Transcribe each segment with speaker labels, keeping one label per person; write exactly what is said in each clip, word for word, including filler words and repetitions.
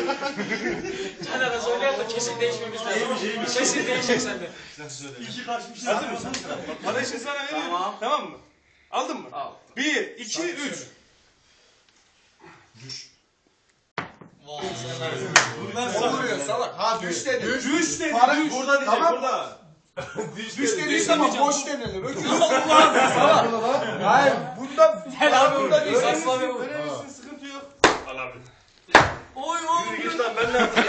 Speaker 1: Caner'e söyler de kesin değişmemiz lazım. Kesin değişecek sende.
Speaker 2: İki kaçmış.
Speaker 3: Hazır mısın? Parayı şimdi sana veriyorum.
Speaker 1: Tamam.
Speaker 3: Tamam mı? Aldın mı?
Speaker 1: Al.
Speaker 3: Bir, iki, üç.
Speaker 2: Bunlar
Speaker 4: Vuruyor salak. Ha düş dedi. Düş.
Speaker 3: Düş dedi.
Speaker 4: Para-
Speaker 3: Düş. Burada diyecek.
Speaker 4: Tamam.
Speaker 3: Burada.
Speaker 4: Düş dediği zaman boş denilir. Öküz. Salak. Hayır. Bunda
Speaker 1: Gel abi
Speaker 4: bunda değil.
Speaker 1: Aslan abi.
Speaker 3: Verebilirsin. Sıkıntı yok.
Speaker 2: Al abi.
Speaker 1: Oy oy.
Speaker 3: Yürü git lan ben ne yapayım?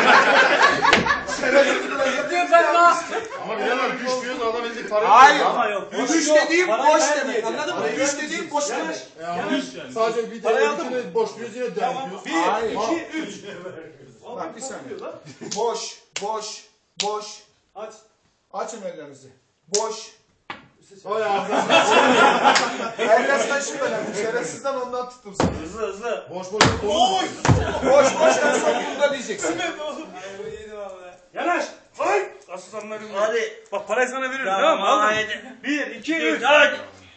Speaker 1: Yapıyorum ben lan.
Speaker 2: Ama bilemem düş diyoruz adam elindeki parayı.
Speaker 4: Hayır.
Speaker 2: Ama yok.
Speaker 4: Düş dediğim
Speaker 3: Parayı
Speaker 4: boş
Speaker 3: ver
Speaker 4: demek.
Speaker 3: diyeceğim.
Speaker 4: Anladın mı?
Speaker 3: Parayı
Speaker 4: Düş
Speaker 3: ver
Speaker 4: dediğim boş demek.
Speaker 2: Sadece bir
Speaker 3: Parayı
Speaker 2: tane
Speaker 3: aldın
Speaker 2: ikini boş diyoruz yine devam
Speaker 3: Tamam.
Speaker 2: ediyoruz.
Speaker 3: Bir,
Speaker 4: Hayır.
Speaker 3: iki, üç.
Speaker 4: Bak bir saniye. Boş, boş, boş.
Speaker 3: Aç.
Speaker 4: Açın ellerinizi. Boş.
Speaker 2: Vay ağzına.
Speaker 4: Eller taşıyor önemli. Şerefsizden ondan tuttum seni.
Speaker 3: Hızlı hızlı.
Speaker 2: Boş boş.
Speaker 3: Oy.
Speaker 4: Boş boş en son bunda diyeceksin.
Speaker 3: Yanaş. Ay. Aslanlarım.
Speaker 1: Hadi.
Speaker 3: Bak parayı sana veriyorum.
Speaker 1: Tamam,
Speaker 3: Tamam mı? Aldın.
Speaker 1: haydi.
Speaker 3: Bir, iki, üç.
Speaker 1: Hadi.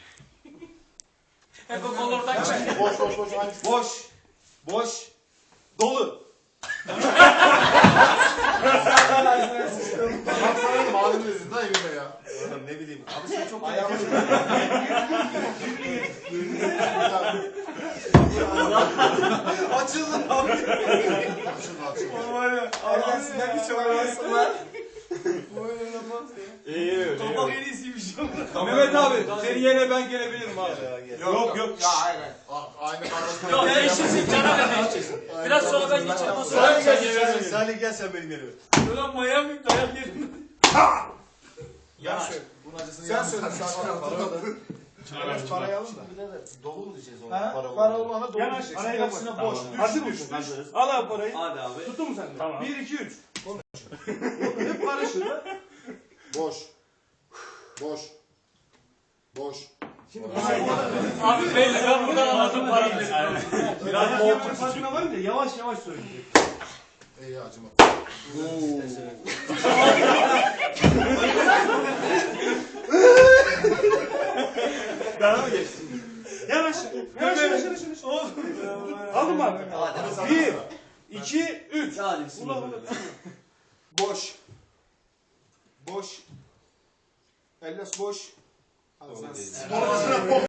Speaker 1: Hep o kolordan çık.
Speaker 2: Boş boş boş. Aynı şu.
Speaker 4: Boş. Boş.
Speaker 3: Dolu.
Speaker 2: Bak sana dedim ağzını ezin lan evime ya.
Speaker 3: Oğlum ne bileyim. Abi sen çok
Speaker 4: Ayağımı açıldı abi.
Speaker 2: Açıldı açıldı.
Speaker 4: Ellerinden bir çok arasınlar.
Speaker 3: İyi.
Speaker 2: Topak en iyisiymiş.
Speaker 3: Mehmet abi seni yine ben gelebilirim abi. Yok yok.
Speaker 4: Ya hayır hayır.
Speaker 2: Aynı kardeşim.
Speaker 1: Yok değişirsin Caner'le değişeceksin. Biraz sonra ben geçerim o
Speaker 2: Salih
Speaker 1: sırada.
Speaker 2: gel sen. Salih gel sen benim yerime.
Speaker 1: Ulan manyak mıyım dayak yedim.
Speaker 4: Ya söyle.
Speaker 2: Bunun acısını
Speaker 4: Sen söyle. Sakin ol.
Speaker 2: Biraz
Speaker 4: Parayı alın da.
Speaker 2: Dolu mu diyeceğiz ona?
Speaker 4: Ha?
Speaker 2: Para
Speaker 4: Para
Speaker 2: olmadı.
Speaker 4: olana doğru
Speaker 3: Yanaş.
Speaker 4: diyeceksin.
Speaker 3: Araya
Speaker 4: Gerisine
Speaker 3: kapat.
Speaker 4: boş.
Speaker 3: Tamam.
Speaker 4: Düş.
Speaker 3: Hazır mısın? Al abi parayı.
Speaker 1: Hadi abi.
Speaker 3: Tuttun mu sen de?
Speaker 2: Tamam.
Speaker 3: Bir, iki, üç. Hep karışır ha.
Speaker 2: Boş. Boş. Boş.
Speaker 1: Abi belli ben buradan anladım parayı.
Speaker 3: Biraz yemenin farkına varınca yavaş yavaş söyleyecek.
Speaker 2: İyi acıma.
Speaker 3: Daha mı geçsin? Yavaş. Yavaş yavaş yavaş. yavaş. Aldın mı abi? Bir, iki, üç.
Speaker 1: Hadi
Speaker 3: Ulan ulan.
Speaker 4: Boş. Boş. Ellas boş. Al sen.